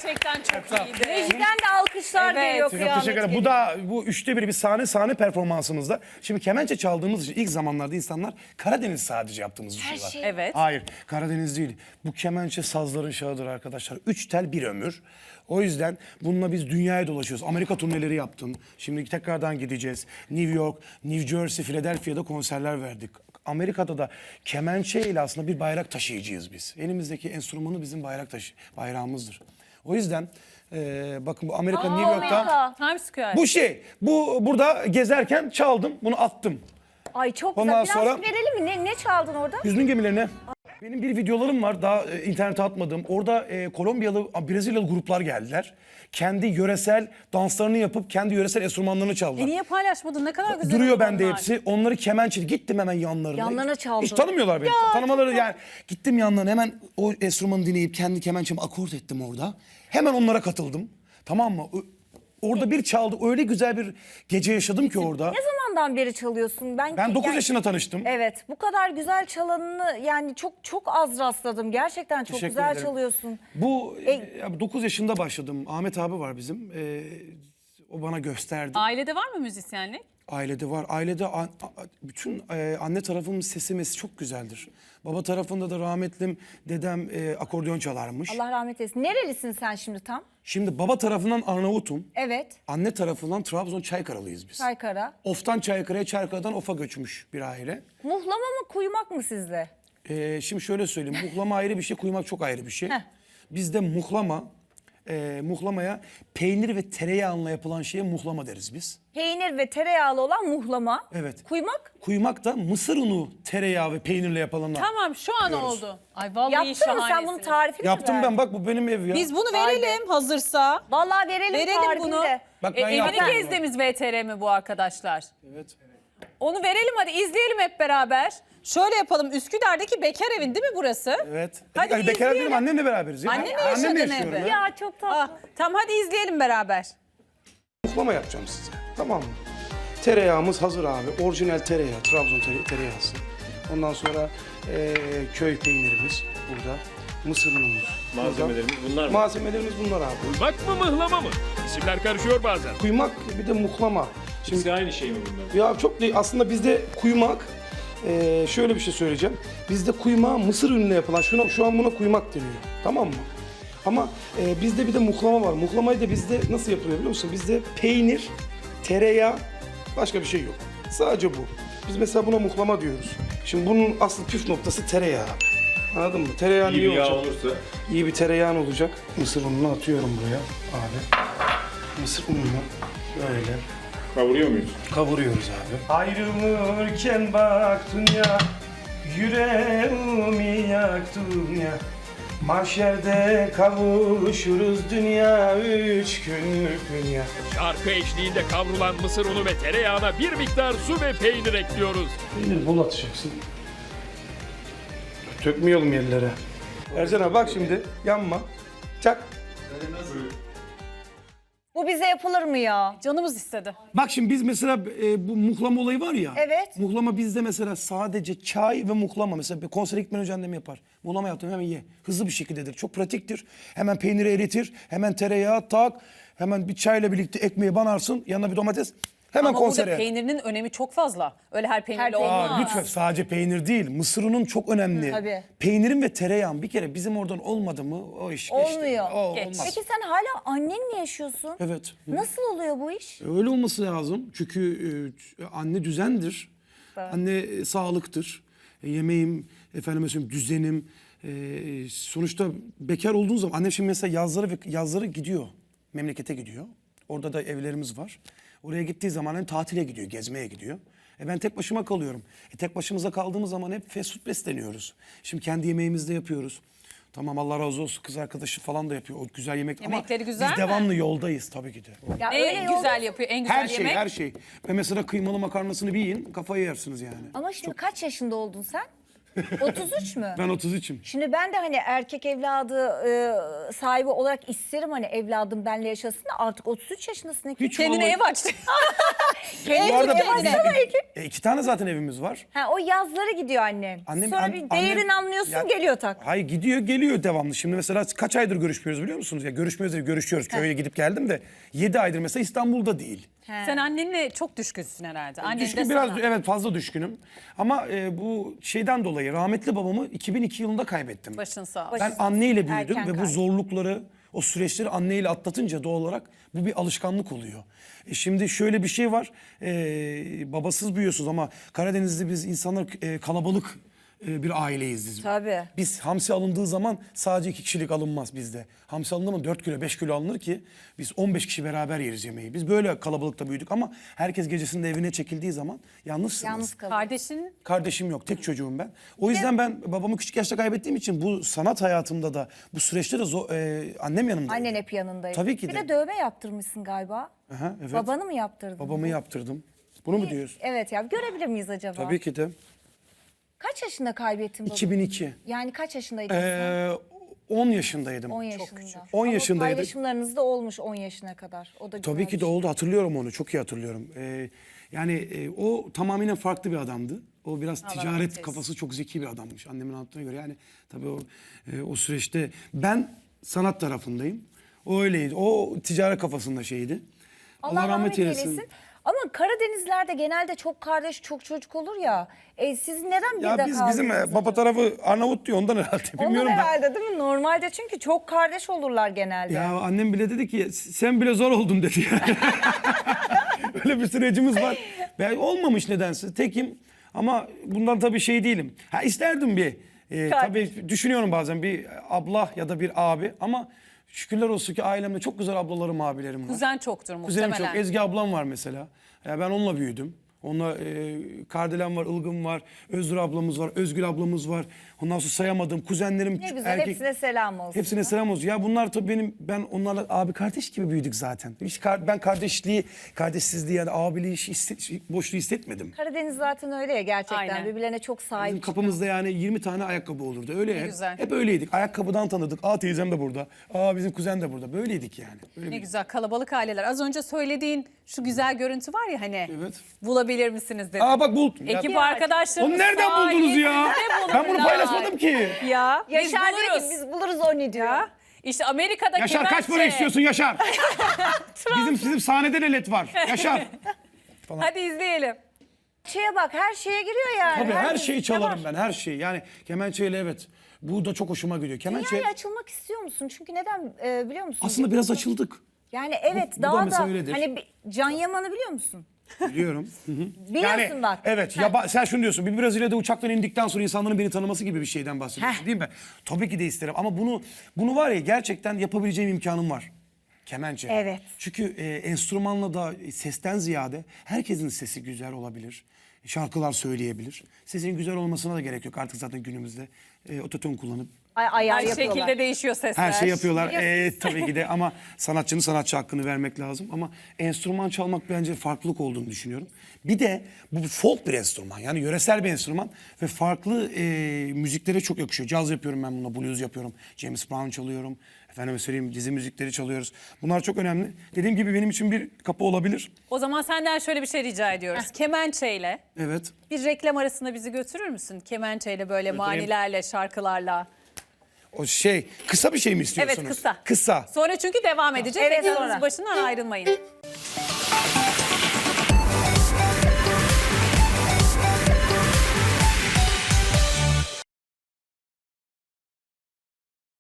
Gerçekten çok iyiydi. Rejiden de alkışlar Evet. geliyor Çok kıyamet Teşekkür ederim. gibi. Bu da bu üçte bir sahne performansımızda. Şimdi kemençe çaldığımız için ilk zamanlarda insanlar Karadeniz sadece yaptığımız düşünüyorlar. şey. Evet. Hayır, Karadeniz değil. Bu kemençe sazların şahıdır arkadaşlar. 3 tel bir ömür. O yüzden bununla biz dünyaya dolaşıyoruz. Amerika turneleri yaptım. Şimdi tekrardan gideceğiz. New York, New Jersey, Philadelphia'da konserler verdik. Amerika'da da kemençe ile aslında bir bayrak taşıyıcıyız biz. Elimizdeki enstrümanı bizim bayrağımızdır. O yüzden bakın bu Amerika, New York'ta Amerika. Times Square. bu burada gezerken çaldım, bunu attım. Ay çok Ondan güzel. Biraz sonra- verelim mi? Ne çaldın orada? Hüznün gemilerine. Benim bir videolarım var daha internete atmadığım. Orada Kolombiyalı, Brezilyalı gruplar geldiler. Kendi yöresel danslarını yapıp kendi yöresel enstrümanlarını çaldılar. Niye paylaşmadın? Ne kadar güzel. Duruyor oldu bende onlar. hepsi. Onları kemençeli gittim hemen yanlarına. Yanlarına çaldın. Hiç tanımıyorlar beni. Tanımaları yani. Gittim yanlarına hemen o enstrümanı dinleyip kendi kemençemi akort ettim orada. Hemen onlara katıldım. Tamam mı? Orada bir çaldı. Öyle güzel bir gece yaşadım ki orada. Ne zamandan beri çalıyorsun? Ben 9 yaşında tanıştım. Evet, bu kadar güzel çalanını yani çok az rastladım. Gerçekten çok Teşekkür güzel ederim. çalıyorsun. Bu 9 yaşında başladım. Ahmet abi var bizim. O bana gösterdi. Ailede var mı müzisyenlik? Ailede var. Ailede bütün anne tarafımın sesi çok güzeldir. Baba tarafında da rahmetlim dedem akordeon çalarmış. Allah rahmet eylesin. Nerelisin sen şimdi tam? Şimdi baba tarafından Arnavut'um. Evet, Anne tarafından Trabzon Çaykaralıyız biz. Çaykara. Of'tan Çaykara'ya, Çaykara'dan Of'a göçmüş bir aile. Muhlama mı, kuymak mı sizde? Şimdi şöyle söyleyeyim. Muhlama ayrı bir şey, kuymak çok ayrı bir şey. Heh. Bizde muhlamaya peynir ve tereyağıyla yapılan şeye muhlama deriz biz. Peynir ve tereyağlı olan muhlama. Evet. Kuymak? Kuymak da mısır unu, tereyağı ve peynirle yapılanlar. Tamam şu an oldu. Ay vallahi Yaptın mı sen şahanesiniz. bunun tarifini mi Yaptım verdin? ben, bak bu benim ev ya. Biz bunu verelim hazırsa. Vallahi verelim tarifini bunu. de. Bak ben Evini yaptım. gezdiğimiz VTR mi bu arkadaşlar? Evet. Onu verelim hadi izleyelim hep beraber. Şöyle yapalım. Üsküdar'daki bekar evin değil mi burası? Evet. Hadi Yani bekar izleyelim. değilim, annemle beraberiz. Ya. Annenle Annemle yaşadığın yaşıyorum evde. ya. Ya çok tatlı. Ah, tamam hadi izleyelim beraber. Muhlama yapacağım size. Tamam mı? Tereyağımız hazır abi. Orijinal tereyağı. Trabzon tereyağısı. Ondan sonra köy peynirimiz burada. Mısır unumuz. Malzemelerimiz bunlar mı? Malzemelerimiz bunlar abi. Kuymak mı mıhlama mı? İsimler karışıyor bazen. Kuymak bir de muhlama. Şimdi İkisi aynı şey mi bunlar? ya çok değil. Aslında bizde kuymak şöyle bir şey söyleyeceğim. Bizde kuymağı mısır ünüyle yapılan şu an buna kuymak deniyor. Tamam mı? Ama bizde bir de muhlama var. Muhlamayı da bizde nasıl yapılıyor biliyor musun? Bizde peynir, tereyağı, başka bir şey yok. Sadece bu. Biz mesela buna muhlama diyoruz. Şimdi bunun asıl püf noktası tereyağı abi. Anladın mı? Tereyağı İyi iyi bir yağ olacak. olursa. İyi bir tereyağın olacak. Mısır ununu atıyorum buraya abi. Mısır ununu böyle Kavuruyor muyuz? kavuruyoruz abi. Ayrılırken baktın ya, yüreğimi yaktın ya. Mahşerde kavuşuruz dünya, 3 günlük dünya. Şarkı eşliğinde kavrulan mısır unu ve tereyağına bir miktar su ve peynir ekliyoruz. Peynir bol atacaksın. Tökmeyelim yerlere. Ercan abi bak şimdi, yanma. Çak. Bu bize yapılır mı ya? Canımız istedi. Bak şimdi biz mesela bu muhlama olayı var ya. Evet. Muhlama bizde mesela sadece çay ve muhlama. Mesela bir konsere gitmeden önce annem yapar. Muhlama yaptım hemen ye. Hızlı bir şekildedir. Çok pratiktir. Hemen peyniri eritir. Hemen tereyağı tak. Hemen bir çayla birlikte ekmeği banarsın. Yanına bir domates. Hemen Ama konsere. burada peynirinin önemi çok fazla. Öyle her peynirle Her peynir. olmaz. Aa, lütfen sadece peynir değil. Mısır unun çok önemli. Tabii. Peynirin ve tereyağın bir kere bizim oradan olmadı mı o iş geçti. Olmuyor. O Geç. olmaz. Peki sen hala annenle yaşıyorsun. Evet. Nasıl oluyor bu iş? Öyle olması lazım. Çünkü anne düzendir. Anne sağlıktır. Yemeğim, efendime söyleyeyim düzenim. Sonuçta bekar olduğun zaman annem şimdi mesela yazları gidiyor. Memlekete gidiyor. Orada da evlerimiz var. Oraya gittiği zaman hem tatile gidiyor, gezmeye gidiyor. Ben tek başıma kalıyorum. Tek başımıza kaldığımız zaman hep fast food besleniyoruz. Şimdi kendi yemeğimizi de yapıyoruz. Tamam Allah razı olsun kız arkadaşı falan da yapıyor. O güzel yemek Yemekleri ama güzel biz mi? devamlı yoldayız tabii ki de. Ya En yolda- güzel yapıyor, en güzel Her şey, yemek. her şey. Ve mesela kıymalı makarnasını bir yiyin, kafayı yersiniz yani. Ama şimdi kaç yaşında oldun sen? 33 mü? Ben 33'üm. Şimdi ben de hani erkek evladı sahibi olarak isterim hani evladım benle yaşasın da artık 33 yaşındasın. Hiç Kendine vallahi- ev açtı. Bu arada kendine. 2 tane zaten evimiz var. Ha, o yazları gidiyor annen. Annem- Sonra an- bir değerini annem- anlıyorsun Ya- geliyor tak. Hayır gidiyor geliyor devamlı. Şimdi mesela kaç aydır görüşmüyoruz biliyor musunuz? Ya görüşmüyoruz değil, görüşüyoruz. Köye gidip geldim de 7 aydır mesela İstanbul'da değil. Sen annenle çok düşkünsün herhalde. Annen Düşkün de biraz sana. evet fazla düşkünüm. Ama bu şeyden dolayı rahmetli babamı 2002 yılında kaybettim. Başın sağ olsun. Ben anneyle büyüdüm Erken ve bu kaybı. zorlukları, o süreçleri anneyle atlatınca doğal olarak bu bir alışkanlık oluyor. Şimdi şöyle bir şey var, babasız büyüyorsunuz ama Karadeniz'de biz insanlar kalabalık bir aileyiz biz. Tabii. Biz hamsi alındığı zaman sadece 2 kişilik alınmaz bizde. Hamsi alındığı zaman 4 kilo 5 kilo alınır ki biz 15 kişi beraber yeriz yemeği. Biz böyle kalabalıkta büyüdük ama herkes gecesinde evine çekildiği zaman yalnızsınız. Yalnız kalıyor. Kardeşin Kardeşim yok, tek çocuğum ben. O yüzden ben babamı küçük yaşta kaybettiğim için bu sanat hayatımda da bu süreçte de annem yanımda. Annen hep yanındaydı. Tabii ki Bir de. de dövme yaptırmışsın galiba. Aha, evet. Babanı mı yaptırdın? Babamı yaptırdım. Bunu mu diyorsun? Evet ya, görebilir miyiz acaba? Tabii ki de. Kaç yaşında kaybettin babanı? 2002. Yani kaç yaşındaydın sen? 10 yaşındaydım. 10 yaşında. 10 Ama yaşındaydık. paylaşımlarınız da olmuş 10 yaşına kadar. O da Tabii güzel ki bir de şey. oldu. Hatırlıyorum onu. Çok iyi hatırlıyorum. O tamamen farklı bir adamdı. O biraz ticaret kafası çok zeki bir adammış annemin anlattığına göre. Yani tabii o süreçte ben sanat tarafındayım. O öyleydi. O ticaret kafasında şeydi. Allah rahmet eylesin. Ama Karadenizlerde genelde çok kardeş, çok çocuk olur ya. Siz neden bir Ya de bizim kaldınız baba acaba? tarafı Arnavut diyor ondan herhalde. Onlar Bilmiyorum ben. herhalde değil mi? Normalde çünkü çok kardeş olurlar genelde. Ya annem bile dedi ki sen bile zor oldun dedi yani. Öyle bir sürecimiz var. Ben olmamış nedense tekim ama bundan tabii şey değilim. Ha isterdim bir tabii düşünüyorum bazen bir abla ya da bir abi ama şükürler olsun ki ailemde çok güzel ablalarım abilerim var. kuzen çoktur Kuzenim muhtemelen. çok. Ezgi ablam var mesela. Ya ben onunla büyüdüm. Onunla Kardelen var, Ilgın var, Özgür ablamız var, Özgül ablamız var. Ondan sonra sayamadığım kuzenlerim. Ne güzel, hepsine selam olsun. Hepsine selam olsun. Ya bunlar tabii ben onlarla abi kardeş gibi büyüdük zaten. Hiç ben kardeşsizliği yani abiliği boşluğu hissetmedim. Karadeniz zaten öyle ya gerçekten. Aynen. Birbirlerine çok Bizim sahip. kapımızda yani 20 tane ayakkabı olurdu. Öyle hep, güzel. hep öyleydik. Ayakkabıdan tanıdık. Aa teyzem de burada. Aa bizim kuzen de burada. Böyleydik yani. Öyle Ne bir- güzel kalabalık aileler. Az önce söylediğin şu güzel görüntü var ya hani. Evet. Bulabilir misiniz dedi. Aa bak buldum. Ekip Ya, arkadaşlarımız onu nereden buldunuz ya? sayesinde Ben bunu bulurlar. paylaşmadım ki. Ya biz Yaşar diyor buluruz. ki biz buluruz onu diyor. Ya. İşte Amerika'da Yaşar kaç para kemençe. istiyorsun Yaşar? bizim sahnede de led var. Yaşar. Hadi izleyelim. Şeye bak, her şeye giriyor yani. Tabii her şeyi müzikte çalarım var. ben her şeyi. Yani kemençeyle evet. Bu da çok hoşuma gidiyor. Kemençe Dünyaya açılmak istiyor musun? Çünkü neden biliyor musun? aslında biraz açıldık. Yani evet Bu da daha mesela da öyledir. hani Can Yaman'ı biliyor musun? Biliyorum. Hı hı. Biliyorsun Yani, bak. Evet. Sen şunu diyorsun. Bir Brezilya'da uçaktan indikten sonra insanların beni tanıması gibi bir şeyden bahsediyorsun değil mi? Tabii ki de isterim. Ama bunu var ya gerçekten yapabileceğim imkanım var. Kemençe. Evet. Çünkü enstrümanla da sesten ziyade herkesin sesi güzel olabilir. Şarkılar söyleyebilir. Sesin güzel olmasına da gerek yok artık zaten günümüzde. Ototune kullanıp Ayar Her yapıyorlar. şekilde değişiyor sesler. her şey yapıyorlar. Tabii ki de ama sanatçının sanatçı hakkını vermek lazım. Ama enstrüman çalmak bence farklılık olduğunu düşünüyorum. Bir de bu folk bir enstrüman. Yani yöresel bir enstrüman ve farklı müziklere çok yakışıyor. Caz yapıyorum ben bununla, blues yapıyorum. James Brown çalıyorum. Efendime söyleyeyim dizi müzikleri çalıyoruz. Bunlar çok önemli. Dediğim gibi benim için bir kapı olabilir. O zaman senden şöyle bir şey rica ediyoruz. Kemençeyle Evet. bir reklam arasında bizi götürür müsün? Kemençeyle böyle manilerle, şarkılarla. O kısa bir şey mi istiyorsunuz? Evet kısa. Kısa. Sonra çünkü devam edeceğiz. Evet, Ekranınızın sonra. başından ayrılmayın.